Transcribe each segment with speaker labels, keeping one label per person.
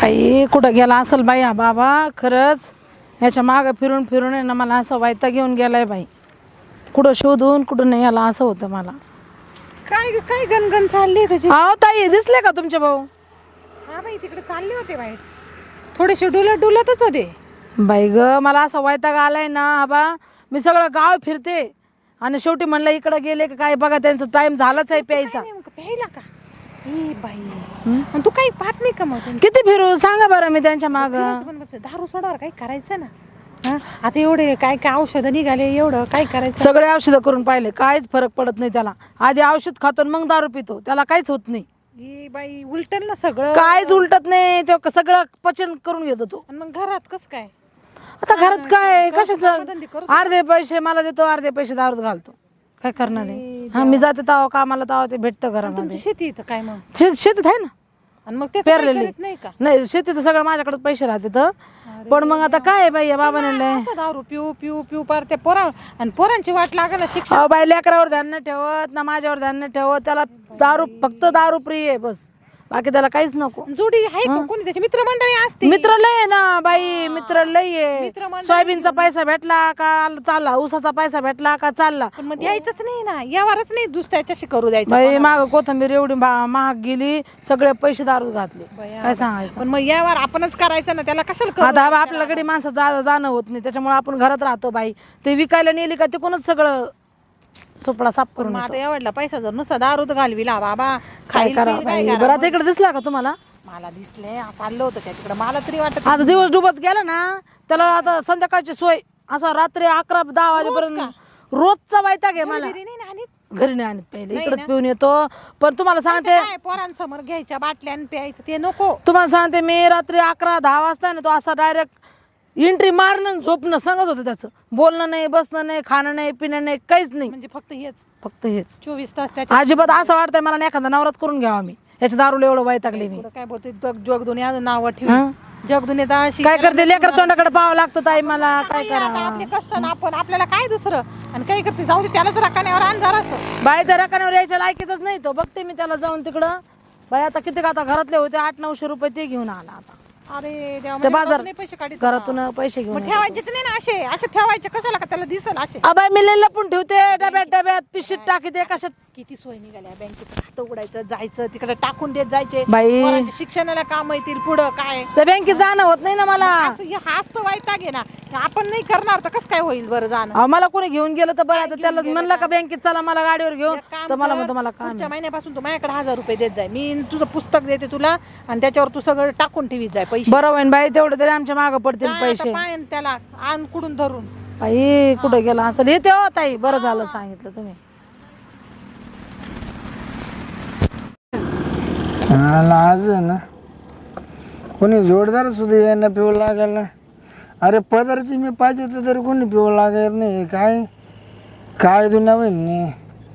Speaker 1: काही कुठं गेला असेल बाई हा बाबा, खरंच ह्याच्या मागं फिरून फिरून आहे ना मला असं वैताग घेऊन गेलाय बाई. कुठं शोधून कुठं नाही याला असं होतं मला.
Speaker 2: काय काय गणगण चालली तुझी?
Speaker 1: अहो ताई, दिसले का तुमचे भाऊ?
Speaker 2: हा बाई, तिकडे चालले होते बाई, थोडेसे डुलतच होते
Speaker 1: बाई ग, मला असं वैताग आलाय ना आबा. मी सगळं गाव फिरते आणि शेवटी म्हणलं इकडं गेले का काय बघा, त्यांचा टाइम झालाच आहे प्यायचा.
Speaker 2: प्यायला का? ई बाई, आणि तू काही पाहत नाही का मग?
Speaker 1: किती फिरू सांगा बरं मी त्यांच्या माग.
Speaker 2: दारू सोडावर काही करायचं ना. आता एवढे काय काय औषधं निघाले, एवढं काय करायचं?
Speaker 1: सगळे औषधं करून पाहिले, काहीच फरक पडत नाही त्याला. आधी औषध खातो मग दारू पितो, त्याला काहीच होत नाही.
Speaker 2: ई बाई, उलटल ना सगळं.
Speaker 1: काहीच उलटत नाही, तो सगळं पचन करून घेतो तो.
Speaker 2: आणि मग घरात कसं काय?
Speaker 1: आता घरात काय कशाचं, अर्धे पैसे मला देतो, अर्धे पैसे दारूत घालतो. काय करणार आहे? हा, मी जाते ताव कामाला, ताव ते भेटतं घरामध्ये.
Speaker 2: तुमची शेती इथं काय मग?
Speaker 1: शेतीत आहे ना.
Speaker 2: आणि मग ते
Speaker 1: पेरलेले
Speaker 2: नाही का?
Speaker 1: नाही, शेतीचं सगळं माझ्याकडे पैसे राहते तर. पण मग आता काय बाई, या बाबाने
Speaker 2: असं दारू पिऊ पिऊ पिऊ पार ते पोरा आणि पोरांची वाट लागल शिक्षण.
Speaker 1: अहो बाई, लेकरावर ध्यान नाही ठेवत ना माझ्यावर ध्यान नाही ठेवत. त्याला दारू, फक्त दारू प्रिय आहे बस, बाकी त्याला काहीच नको.
Speaker 2: जोडी आहे का कोणी? त्याची मित्रमंडळी असते.
Speaker 1: मित्र लय आहे ना बाई, मित्र लय आहे.
Speaker 2: मित्रमंडळी.
Speaker 1: सोयाबीनचा पैसा भेटला का चालला, ऊसाचा पैसा भेटला का चालला.
Speaker 2: पण मग द्यायचंच नाही ना, यावरच नाही दुसऱ्याच्याशी करू द्यायचं.
Speaker 1: बाई माग कोथंबीर एवढी महाग गेली, सगळे पैसे दारू घातले. काय सांगायचं.
Speaker 2: पण मग यावर आपणच करायचं ना, त्याला कशाला करू?
Speaker 1: आता आपल्याकडे माणसं जाणं होत नाही, त्याच्यामुळे आपण घरात राहतो बाई. ते विकायला नेली का तिकूनच सगळं सोपडा साफ करून
Speaker 2: आता एवढला पैसा जर नुसता दारूत घालविला बाबा,
Speaker 1: काय करा बाई. बरं आता इकडे दिसला का तुम्हाला?
Speaker 2: मला दिसले, चाललं होतं त्या तिकडे. मला तरी वाटत
Speaker 1: आता दिवस डुबत गेला ना, त्याला आता संध्याकाळची सोय असा रात्री 11-10 वाजेपर्यंत रोजचा वैताग आहे मला. घरी नाही आणत, पहिले इकडेच पिऊन येतो. पण तुम्हाला सांगते,
Speaker 2: पोरांसमोर घ्यायच्या बाटल्या आणि प्यायचं ते नको.
Speaker 1: तुम्हाला सांगते, मी रात्री 11-10 वाजता ना तो असा डायरेक्ट एंट्री मारणं झोपणं सांगत होतं. त्याचं बोलणं नाही, बसणं नाही, खाणं नाही, पिणं नाही, काहीच नाही.
Speaker 2: म्हणजे फक्त
Speaker 1: हेच
Speaker 2: 24 तास
Speaker 1: अजिबात. असं वाटतंय मला नाही एखादा नवराच करून घ्यावा मी, याच्या दारूला एवढं वैतागले मी.
Speaker 2: काय बोलते जग दुनिया नाव ठेवून, जग दुनिया अशी
Speaker 1: काय करते, लेकर तोंडाकडे पाहावं लागतं ताई मला. काय करा
Speaker 2: आपले कष्ट ना, आपण आपल्याला काय दुसरं. आणि काय करते, जाऊ दे त्यालाच रकान्यावर आण जरासं.
Speaker 1: बाई, त्या रकान्यावर यायच्या लायकीच नाही तो. बघते मी त्याला जाऊन तिकडं. बाई आता किती का, आता घरातले होते 800-900 रुपये ते घेऊन आला. आता
Speaker 2: अरे देवा,
Speaker 1: ते बाजार
Speaker 2: पैसे काढीत
Speaker 1: घरातून पैसे घेऊन
Speaker 2: ठेवायचे नाही ना, असे असे ठेवायचे कशाला का, त्याला दिसल असे.
Speaker 1: बाई, मी लय लपून ठेवते, डब्यात पिशीत टाकीते. कशात
Speaker 2: किती सोय निघाल्या, बँकेत खातं उघडायचं, जायचं तिकडे टाकून देत जायचे.
Speaker 1: बाई,
Speaker 2: पोरांच्या शिक्षणाला काम येतील पुढं. काय
Speaker 1: त्या बँकेत जाणं होत नाही ना मला.
Speaker 2: हाच तो वैताग आहे ना. आपण नाही करणार तर कसं काय होईल बरं जाणं.
Speaker 1: अहो, मला कोणी घेऊन गेलं तर बरं. आता त्याला म्हणलं का बँकेत चला मला गाडीवर घेऊन, तर मला म्हणतो मला काम.
Speaker 2: पुढच्या महिन्यापासून तू माझ्याकडे 1000 रुपये देत जाय, मी तुझं पुस्तक देते तुला, आणि त्याच्यावर तू सगळं टाकून ठेवीत जाय पैसे.
Speaker 1: बरं होईन बाई, तेवढे तरी आमच्या मागं पडतील पैसे.
Speaker 2: पाय त्याला आण कुडून धरून.
Speaker 1: बाई कुठं गेला असेल. येते हो ताई, बरं झालं सांगितलं तुम्ही.
Speaker 3: आज ना कोणी जोडदार सुद्धा यांना पिऊ लागेल ना. अरे पदरची मी पाहिजे होतं तरी कोणी पिऊ लागत नाही. काय काय दुनिया होईल नाही.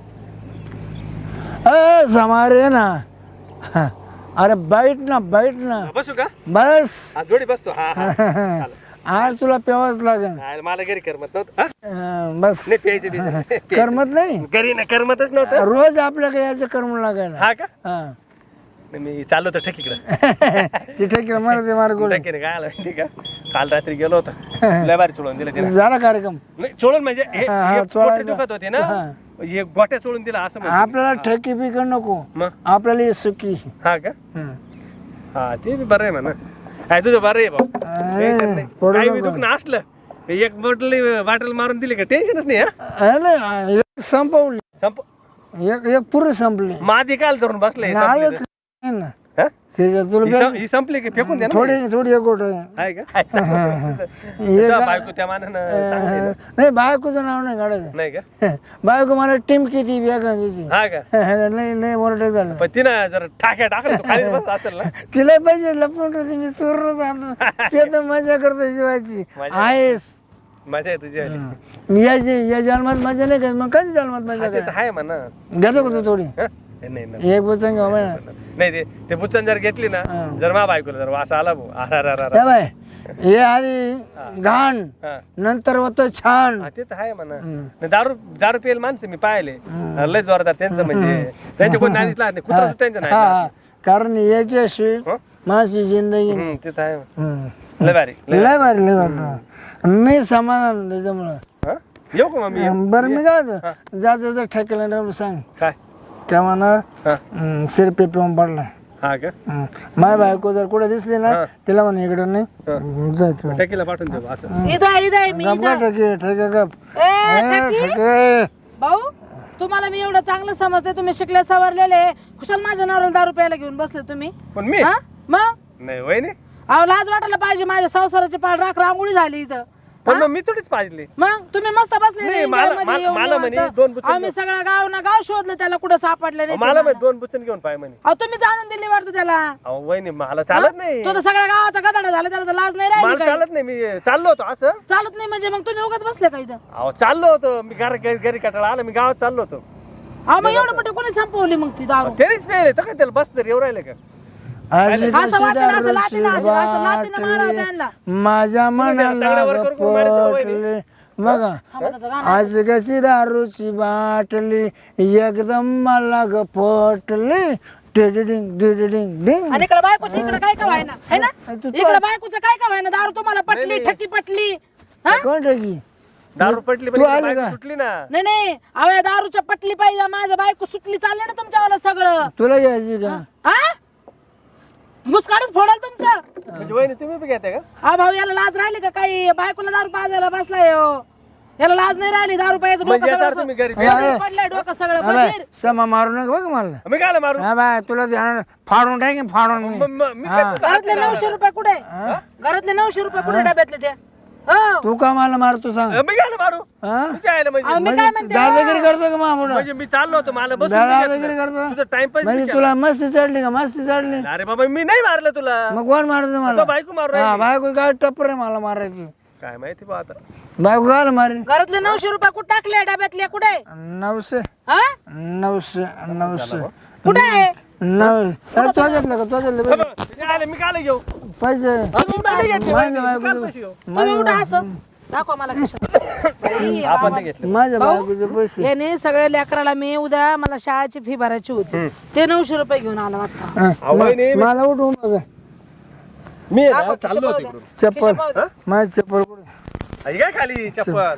Speaker 3: समारे ना. अरे बैठ ना
Speaker 4: बसू का?
Speaker 3: बस
Speaker 4: जोडी बसतो.
Speaker 3: आज तुला प्यावाच लागेल.
Speaker 4: मला घरी करमत नव्हतं.
Speaker 3: बस करमत नाही.
Speaker 4: घरी ना करमतच नव्हतं.
Speaker 3: रोज आपल्याला यायचं करमू लागेल.
Speaker 4: हा का? मी चाललो होतो ठेकीकडे.
Speaker 3: तिथे मार
Speaker 4: ठेकीने काय आलं माहिती का, काल रात्री गेलो होतो, लय भारी चोळून दिलं.
Speaker 3: झाला कार्यक्रम.
Speaker 4: नाही चोळून म्हणजे गोटे दुखत होते ना, हे गोट्या चोळून दिला असं.
Speaker 3: आपल्याला ठेकी पिक नको, आपल्याला सुकी.
Speaker 4: हा का? हा ते बी बरं आहे म्हणा. काय तुझं बरं आहे भाऊ. काही बी दुखणं असलं, एक बाटल मारून दिली का टेन्शनच नाही.
Speaker 3: संपवली. एक पुरे संपली.
Speaker 4: मादी काल धरून बसले. ही संपली की फेकून द्या.
Speaker 3: थोडी एक गोट
Speaker 4: आहे का? बायको त्या मानानं
Speaker 3: नाही. बायकोचं नाव नाही काढायचं.
Speaker 4: नाही का?
Speaker 3: बायको मला टीम किती तुझी.
Speaker 4: हा का?
Speaker 3: नाही मोरटे झालं.
Speaker 4: पण तिनं जर टाक्या टाकलं असेल ना.
Speaker 3: तिला पाहिजे लपून ठेवते मी. चोर आणतो तर मजा करतो जीवाची. आहेस
Speaker 4: मजा आहे तुझी.
Speaker 3: मी या जन्मात मजा नाही करत, मग कधी जन्मात मजा करत
Speaker 4: आहे म्हणा.
Speaker 3: घेतो का तू थोडी?
Speaker 4: नाही
Speaker 3: एक बुचन घ्या
Speaker 4: नाही. ते बुचन जर घेतली ना, जर मा बायकोला जर वास आला
Speaker 3: बाय, हे आधी घाण नंतर होतं छान.
Speaker 4: ते तर आहे म्हणा. दारू पेल माणसं मी पाहिले लय जोरदार. त्यांचं म्हणजे त्यांच्या कोणी नाही दिसला नाही. कुठं त्यांचं नाही.
Speaker 3: कारण याच्याशी माझी जिंदगी
Speaker 4: ते तर आहे
Speaker 3: हम्म.
Speaker 4: लय भारी
Speaker 3: लय भारी लय भारी मी समाधान त्याच्यामुळं
Speaker 4: हा? येऊ का मम्मी
Speaker 3: बरं मी काय होतं जात ठेकेला नेऊन सांग
Speaker 4: काय
Speaker 3: त्या म्हणा
Speaker 4: हा
Speaker 3: शिरपे पिऊन पडला
Speaker 4: हा का
Speaker 3: माझ्या बायको जर कुठे दिसली ना तिला म्हणा इकडे नाही जा किंवा
Speaker 4: टॅकीला पाठवून देऊ असं
Speaker 1: इथं मी
Speaker 3: गप
Speaker 1: इथं.
Speaker 3: ठेके ठेके गप
Speaker 1: ए, ठेकी.
Speaker 3: ठेके
Speaker 1: भाऊ तुम्हाला मी एवढं चांगलं समजते, तुम्ही शिकले सवरलेले, खुशाल माझ्या नवऱ्याला दारू प्यायला घेऊन बसले तुम्ही.
Speaker 4: पण मी
Speaker 1: हा मग
Speaker 4: नाही वय नाही
Speaker 1: अहो लाज वाटायला पाहिजे, माझ्या संसाराची पाळ राख रांगोळी झाली इथं.
Speaker 4: पण मग मी थोडीच पाहिजे
Speaker 1: मग तुम्ही मस्त बसले
Speaker 4: नाही,
Speaker 1: enjoy
Speaker 4: मला-
Speaker 1: मध्ये
Speaker 4: मला-
Speaker 1: येऊन
Speaker 4: मला म्हणे
Speaker 1: निवांत.
Speaker 4: दोन बुचके
Speaker 1: आम्ही सगळं गाव ना गाव शोधलं त्याला, कुठं सापडलं नाही ते
Speaker 4: मला
Speaker 1: मला.
Speaker 4: माहित 2 बुचन घेऊन पाय म्हणे
Speaker 1: अहो तुम्ही जाणून दिली वाटतं त्याला.
Speaker 4: अहो वय नाही मला चालत नाही
Speaker 1: तो तर सगळ्या गावाचा गदाडा झाला, त्याला तर लाज नाही राहिली
Speaker 4: मला
Speaker 1: काही.
Speaker 4: चालत नाही मी चाललो होतो असं
Speaker 1: चालत नाही म्हणजे मग तुम्ही उगाच बसले का इथं?
Speaker 4: अहो चाललो होतो मी घरी कटाळा आला मी गावात चाललो होतो
Speaker 1: अहो मग एवढं मोठे कोणी संपवली मग ती दारू?
Speaker 4: तेच पेले तर काय त्याला बस तरी येऊ राहिले का
Speaker 3: आज
Speaker 1: असं वाटतं ना, असं लाथीनं असं लाथीनं मारावं त्यांना.
Speaker 3: माझ्या मनाला
Speaker 4: तगड्यावर करून मारित जाऊ वहिनी.
Speaker 3: पटले बघा
Speaker 1: थांबा त्याचं गाणं.
Speaker 3: आज कशी दारूची बाटली एकदम मला ग पटली डिडिडिंग डिडिडिंग डिंग
Speaker 1: आणि इकडे बायकोचं इकडे काय का व्हायना है ना?
Speaker 3: तू-
Speaker 1: इकडे बायकोचं काय का व्हायना? दारू तुम्हाला पटली, ठकी पटली. हा?
Speaker 3: कोण टाकी
Speaker 4: दारू पटली
Speaker 3: तू आली
Speaker 4: बायको
Speaker 3: का?
Speaker 4: सुटली ना
Speaker 1: नाही नाही अहो या दारूच्या पटली पाहिजे, माझ्या बायको सुटली चालले ना तुमच्यावाला सगळं.
Speaker 3: तुला घ्यायची का
Speaker 1: हा मुस्काडच फोडाल तुमचं.
Speaker 4: म्हणजे वहिनी तुम्ही बी घेते का
Speaker 1: हा भाऊ याला लाज राहिली का काही? बायकोला दारू पाजायला बसलाय हो. याला लाज नाही राहिली, दारू पाहायचं डोकं
Speaker 4: म्हणजे याचा
Speaker 1: सगळं
Speaker 4: तुम्ही घरी
Speaker 1: बधीर पडलंय, डोकं सगळं बधीर.
Speaker 3: समा मारू नका बघ मला
Speaker 4: मी काय मारू
Speaker 3: हा बाय तुला ध्यान फाडून टाकेन फाडून मी
Speaker 4: मी काय तुला
Speaker 1: घरातले 900 रुपये कुठे? घरातले 900 रुपये कुठे डब्यातले ते? हो
Speaker 3: तू का मला मारतो सांग
Speaker 4: मी काय मारू
Speaker 3: हा
Speaker 4: मी काय आलं म्हणजे
Speaker 1: अहो, मी काय म्हणते
Speaker 3: दादागिरी करतो का मामुडा
Speaker 4: म्हणजे मी चाललो होतो मला बस
Speaker 3: दादागिरी करतो
Speaker 4: तुझं टाइमपास
Speaker 3: म्हणजे तुला मस्ती चढली का मस्ती चढली
Speaker 4: अरे बाबा मी नाही मारलं तुला
Speaker 3: मग कोण मारतो मला
Speaker 4: तो बायको मारू
Speaker 3: हा
Speaker 4: राहिली.
Speaker 3: बायको काय टप्पर आहे मला मारायची
Speaker 4: काय माहिती बा आता
Speaker 3: बायको काय मारेन
Speaker 1: घरातले 900 रुपये कुठे टाकले डब्यातले? कुठे
Speaker 3: 900
Speaker 1: हा
Speaker 3: 900 900
Speaker 1: कुठे आहे?
Speaker 3: 900 तो घेतलं का तो घेतलं पैसे?
Speaker 4: मी आले मी काय घेऊ
Speaker 3: पैसे माझ्या
Speaker 4: काल
Speaker 3: बायकोचे
Speaker 4: पैसे घेऊ
Speaker 1: तुम्ही उठा असं दाखवा मला खिशात. बाई,
Speaker 4: आपण ते घेतलं
Speaker 3: माझ्या बायकोचे पैसे
Speaker 1: याने सगळ्या लेकराला मी उद्या मला शाळेची फी भरायची होती, ते 900 रुपये घेऊन आला वाटतं.
Speaker 3: हा,
Speaker 4: अहो, नाही,
Speaker 3: मला उठवून बघा
Speaker 4: मी आहे ना,
Speaker 1: दाखव,
Speaker 4: चाललो होतो
Speaker 1: खिशात
Speaker 4: इकडून
Speaker 3: चप्पल
Speaker 1: पाहू दे.
Speaker 3: माझी चप्पल कुठे
Speaker 4: आई काय खाली चप्पल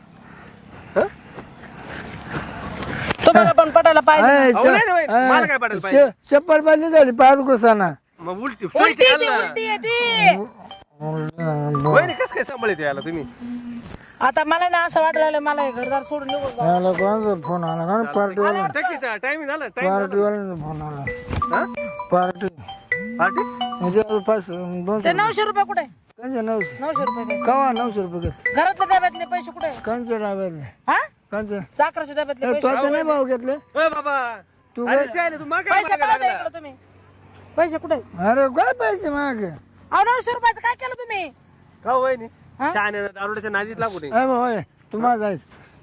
Speaker 1: तुम्हाला पण पटायला पाहिजे.
Speaker 3: आहे,
Speaker 4: अहो, नाही, नाही, मला काय पडेल पाहिजे?
Speaker 3: चप्पल बांधली झाली पाच घुसाना
Speaker 4: मग उलटी
Speaker 1: उलटी
Speaker 4: सोयीची
Speaker 1: येते,
Speaker 4: घाल ना.
Speaker 1: उलटी येते.
Speaker 4: वहिनी कसं काय सांभाळते याला तुम्ही
Speaker 1: आता मला ना असं वाटलं मला हे घरदार सोडून निघून जा.
Speaker 3: याला कोणाचा फोन आला का पार्टीवाला
Speaker 4: टक्कीचा टाइम झाला टाइम
Speaker 3: पार्टीवाल्यांचा फोन आला
Speaker 4: हा
Speaker 3: पार्टी
Speaker 4: पार्टी
Speaker 3: म्हणजे 200
Speaker 1: ते 900 रुपये कुठे?
Speaker 3: कंचे 900
Speaker 1: 900 रुपये दे.
Speaker 3: कवा 900 रुपये घेतले
Speaker 1: घरातल्या डब्यातले पैसे कुठे?
Speaker 3: कंचे डाब्यातले
Speaker 1: हा
Speaker 3: कंचे
Speaker 1: साखरेच्या डब्यातले पैसे
Speaker 3: तो नाही भाव घेतले
Speaker 4: ओय बाबा
Speaker 3: तू
Speaker 4: अरे चालेल तू मागे
Speaker 1: पैसे
Speaker 4: मागे
Speaker 1: पाहू दे
Speaker 4: लागला.
Speaker 1: इकडं तुम्ही. पैसे कुठे?
Speaker 3: अरे काय पैसे मागे
Speaker 1: अहो 900 रुपयाचं काय केलं तुम्ही?
Speaker 4: का हो वहिनी
Speaker 1: हा?
Speaker 4: छान आहे ना, दारुड्याच्या नादीत लागू नये
Speaker 3: अरे होय तुम्हाला जाईल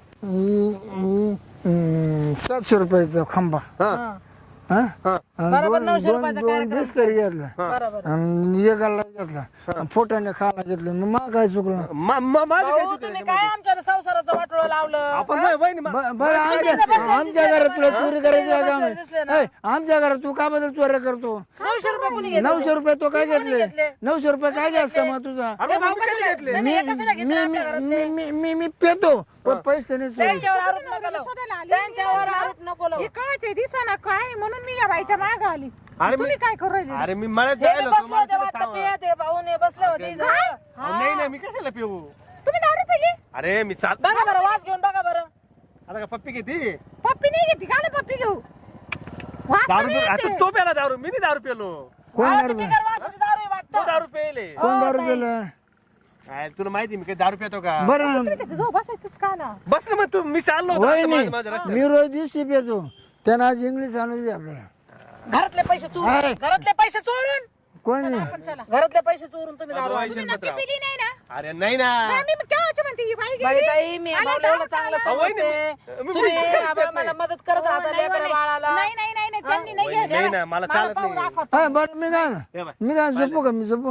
Speaker 3: 700 रुपयाचा खांबा
Speaker 4: हा
Speaker 1: हा.
Speaker 3: हा
Speaker 4: हा
Speaker 3: आणि
Speaker 1: बरोबर
Speaker 3: दोन
Speaker 1: 900
Speaker 3: दोन
Speaker 1: रुपयाचा
Speaker 3: दोन
Speaker 1: कार्यक्रम.
Speaker 3: बिस्करी घेतला
Speaker 1: बरोबर.
Speaker 3: आणि एक गल्ला घेतला फोटाने खायला घेतलं मग मला काय चुकलं
Speaker 4: माझं काय
Speaker 1: भाऊ
Speaker 4: चुकलं
Speaker 1: तुम्ही
Speaker 4: त्याच्यामध्ये?
Speaker 1: काय आमच्या संसाराचं वाटोळं लावलं?
Speaker 4: आपण नाही, वहिनी
Speaker 3: बरं आमच्या घरात तुला चोरी करायची आहे का आम्ही?
Speaker 1: दिसले ना.
Speaker 3: ए, आमच्या घरात तू का बद्दल चोऱ्या करतो
Speaker 1: 900 रुपये कोणी घेतले?
Speaker 3: 900 रुपये तो काय
Speaker 1: कोणी
Speaker 3: घेतले
Speaker 1: घेतले?
Speaker 3: 900 रुपये काय घ्यायचा मग तुझा
Speaker 4: अरे
Speaker 1: भाऊ
Speaker 4: मग मी
Speaker 1: कशाला
Speaker 4: कधी घेतले
Speaker 1: नाही, नाही, कशाला घेतले आपल्या घरातले?
Speaker 3: मी पेतो पण पैसे नाही चोरी
Speaker 1: त्यांच्यावर आरोप नको लावू. त्यांच्यावर आरोप नको लावू.
Speaker 2: कळचे दिसाना काय म्हणून मी या बाईच्या मागे आली
Speaker 4: अरे
Speaker 2: तुम्ही काय करू राहिले
Speaker 4: अरे मी मला
Speaker 1: हे
Speaker 4: जायला
Speaker 1: बी
Speaker 4: होतो,
Speaker 1: बसले
Speaker 4: मला
Speaker 1: होते
Speaker 4: थोडं
Speaker 1: वाटतं
Speaker 4: थांबा.
Speaker 1: पियत, हे भाऊन हे बसले होते इथं.
Speaker 4: अहो, नाही नाही मी कशाला पिऊ
Speaker 2: तुम्ही दारू पिली
Speaker 4: अरे मी चाल
Speaker 1: बघा बरं वास घेऊन बघा बरं.
Speaker 4: आता का पप्पी घेते
Speaker 2: पप्पी नाही घेतली का पप्पी घेऊ वास
Speaker 4: दारू
Speaker 2: पण
Speaker 4: पिऊ-
Speaker 2: येते.
Speaker 4: आता तो प्याला दारू मी नाही दारू पेलो
Speaker 3: कोण
Speaker 1: अहो,
Speaker 3: दारू
Speaker 1: ती बिगर वासाची दारू आहे
Speaker 4: तो
Speaker 1: वाटतं.
Speaker 4: दारू पेले
Speaker 3: कोण दारू केलं
Speaker 4: काय तुला माहिती मी काही दारू पितो का
Speaker 3: बरं
Speaker 2: तुम्ही त्याच्या जवळ बसायचंच का ना
Speaker 4: बस ना मग तू मी चाललो होतो
Speaker 3: होय
Speaker 4: आता
Speaker 3: नाही
Speaker 4: माझं रस्त्यात.
Speaker 3: मी रोज दिवशी पेतो त्यानं आज इंग्लिश आणून दिली आपल्याला
Speaker 1: घरातले पैसे चोरून
Speaker 3: आहे.
Speaker 1: घरातले पैसे चोरून
Speaker 3: कोण नाही
Speaker 1: घरातले पैसे चोरून तुम्ही दारू आणली.
Speaker 4: शेणपत्राव.
Speaker 2: पिली नाही ना
Speaker 4: अरे नाही ना
Speaker 2: मी केव्हाची म्हणते ही बाई
Speaker 1: बाई ताई मी आम्हाला एवढं चांगलं
Speaker 4: अहो, वहिनी,
Speaker 1: समजते.
Speaker 4: मी-
Speaker 1: तुम्ही
Speaker 4: मी-
Speaker 1: आम्हाला मला मदत करत राहता लेकरा बाळाला.
Speaker 2: नाही त्यांनी नाही
Speaker 4: वहिनी, नाही ना मला चालत नाही
Speaker 3: हा बरं मी काय
Speaker 4: हे बाय.
Speaker 3: मी काय झोपू का मी झोपू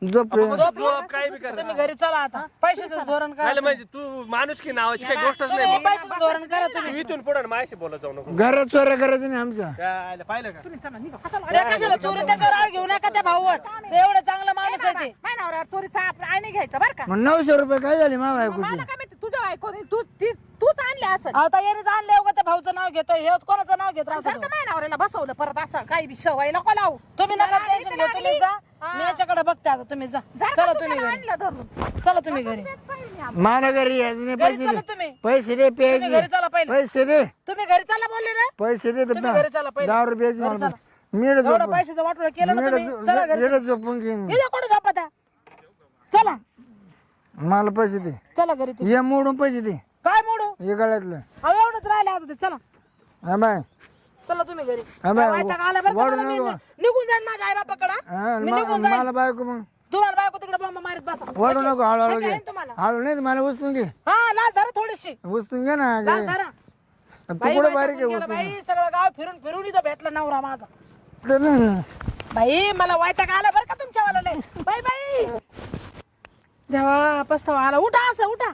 Speaker 3: झोप
Speaker 4: झोप काय बी कर
Speaker 1: तुम्ही घरी चला आता पैशाचं धोरण करा
Speaker 4: काय म्हणजे तू माणूस की नावाची काही गोष्टच
Speaker 1: तुम्ही
Speaker 4: नाही
Speaker 1: पैशाचं धोरण करा तुम्ही
Speaker 4: तू इथून पुढे माझ्याशी बोलत जाऊ नको
Speaker 3: घरात चोऱ्या करायचं नाही आमच्या
Speaker 4: काय पाहिलं का
Speaker 2: चला निघा कशाला
Speaker 1: त्या कशाला चोरी त्याच्यावर आळ घेऊ नका त्या भाऊवर ते एवढं चांगलं माणूस आहे ते
Speaker 2: महिनावर चोरीचा आपला आईने घ्यायचं बरं का
Speaker 3: मग 900 रुपये काय झाले मा बायकोची
Speaker 2: मला काय माहिती तुझ्या बायकोने तूच आणले असं
Speaker 1: आता याने आणले उगा त्या भाऊचं नाव घेतोय हे कोणाचं नाव घेत राहतो
Speaker 2: जर का महिनावऱ्याला बसवलं परत असं काही बी सवय नको लावू
Speaker 1: तुम्ही नका टेन्शन घेऊ तुम्ही जा मी याच्याकडे बघते आता तुम्ही जा चला तुम्ही घरी
Speaker 2: आणलं धरून
Speaker 1: चला तुम्ही घरी
Speaker 3: मला घरी यायचं नाही
Speaker 1: घरी
Speaker 3: पैसे
Speaker 1: चला
Speaker 3: दे
Speaker 1: तुम्ही
Speaker 3: पैसे दे
Speaker 1: तुम्ही घरी
Speaker 3: प्यायचे
Speaker 1: चला पहिले
Speaker 3: पैसे दे
Speaker 1: तुम्ही घरी चला बोलले ना
Speaker 3: पैसे दे
Speaker 1: तुम्ही घरी चला पहिले
Speaker 3: 10 रुपयाची
Speaker 1: घरी
Speaker 3: मला
Speaker 1: चला.
Speaker 3: मीड
Speaker 1: एवढं पैशाचं वाटोळं केलं ना तुम्ही चला घरी
Speaker 3: मीड झोपून घेईन
Speaker 1: इथं कोणी झोपता चला
Speaker 3: मला पैसे दे
Speaker 1: चला घरी तू
Speaker 3: ये मोडून पैसे दे
Speaker 1: काय मोडू
Speaker 3: हे गळ्यातलं
Speaker 1: अहो एवढंच राहिले आता ते चला
Speaker 3: हा बाय
Speaker 1: चला तुम्ही घरी
Speaker 3: हा बाय
Speaker 1: वैताग आला बरं का
Speaker 3: वाढू
Speaker 1: मला, मी
Speaker 3: नको.
Speaker 1: निघून जाईन माझ्या आई बापाकडं मी निघून जाईन
Speaker 3: मला बायको मग
Speaker 1: तुम्हाला बायको तिकडे बॉम्ब मारत बसा
Speaker 3: वाढू नको हळूहळू
Speaker 1: काय
Speaker 3: घे
Speaker 1: आहे तुम्हाला
Speaker 3: हळू नाही तर मला उचलून घे
Speaker 1: हा लाज धरा थोडीशी
Speaker 3: उचलून घे ना
Speaker 1: लाज धरा
Speaker 3: तू
Speaker 1: बाई
Speaker 3: कुठे
Speaker 1: बाई
Speaker 3: बारीक
Speaker 1: टाकून
Speaker 3: आहे
Speaker 1: गेला बाई सगळं गाव फिरून फिरून इथं भेटला नवरा माझा
Speaker 3: उचलून
Speaker 1: बाई मला वैताग आला बरं का तुमच्यावाला लय बाई बाई देवा पस्तावा आला उठा असं उठा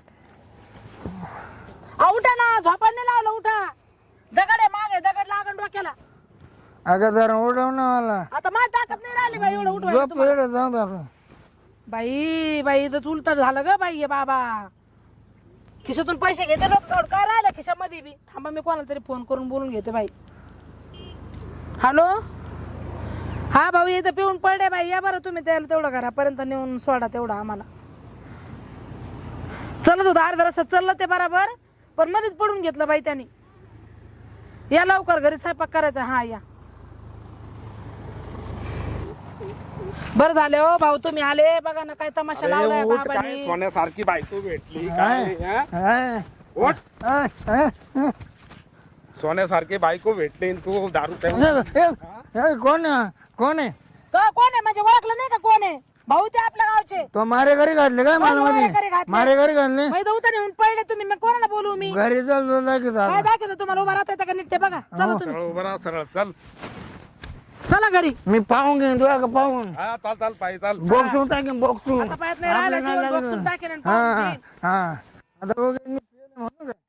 Speaker 1: उठा ना झोपायला नाही लावलं उठा दगड आहे मागे दगड लागण डोक्याला
Speaker 3: अगं जरा उडव ना मला
Speaker 1: आता माझी ताकद नाही राहिली बाई एवढं उठवायला
Speaker 3: झोप
Speaker 1: तुम्हाला.
Speaker 3: एवढं जाऊ दे आता.
Speaker 1: बाई बाई तर उलट झालं ग बाई हे बाबा खिशातून पैसे घेते लोक काय राहिलं खिशामध्ये बी थांबा मी कोणाला तरी फोन करून बोलून घेते बाई हॅलो हा भाऊ इथं पिऊन पडले बाई या बरं तुम्ही त्याला तेवढं घरापर्यंत नेऊन सोडा तेवढं आम्हाला चलत होतं अर्धा रस्ता चाललं ते बरोबर पण मध्येच पडून घेतलं बाई त्यांनी या लवकर घरी स्वयंपाक करायचा हा या बरं झाले हो भाऊ तुम्ही आले बघा ना काय तमाशा लावलाय बाबांनी
Speaker 5: सोन्यासारखी बायको भेटली
Speaker 3: हाय,
Speaker 5: काय
Speaker 3: हाय,
Speaker 5: उठ.
Speaker 3: हाय, हाय, हाय.
Speaker 5: सोन्यासारखी बायको भेटली आणि तू दारू प्यायला
Speaker 3: कोण कोण आहे
Speaker 1: कोण आहे म्हणजे ओळखलं नाही का कोण आहे भाऊ ते आपल्या गावचे
Speaker 3: तो मारे घरी घातले काय मला
Speaker 1: मारे घरी
Speaker 3: मध्ये
Speaker 1: घातले?
Speaker 3: मारे घरी घातले
Speaker 1: मैदा उतर येऊन पडले तुम्ही मग कोणाला बोलू मी
Speaker 3: घरी चालतो दाखवतो
Speaker 1: काय दाखवतो तुम्हाला उभा राहता येतं का नीट ते बघा चला तुम्ही
Speaker 5: सरळ उभं राहा, सरळ चल
Speaker 1: चला घरी
Speaker 3: मी पाहून घेईन तुला का पाहून
Speaker 5: हा चाल चाल पाय चाल
Speaker 3: बॉक्सून टाकेन बॉक्सून
Speaker 1: आता पायात नाही राहिला जीवन बघून टाकेन आणि
Speaker 3: हा
Speaker 1: पाहून
Speaker 3: हा
Speaker 1: घेईन.
Speaker 3: हा आता बघ मी म्हणू का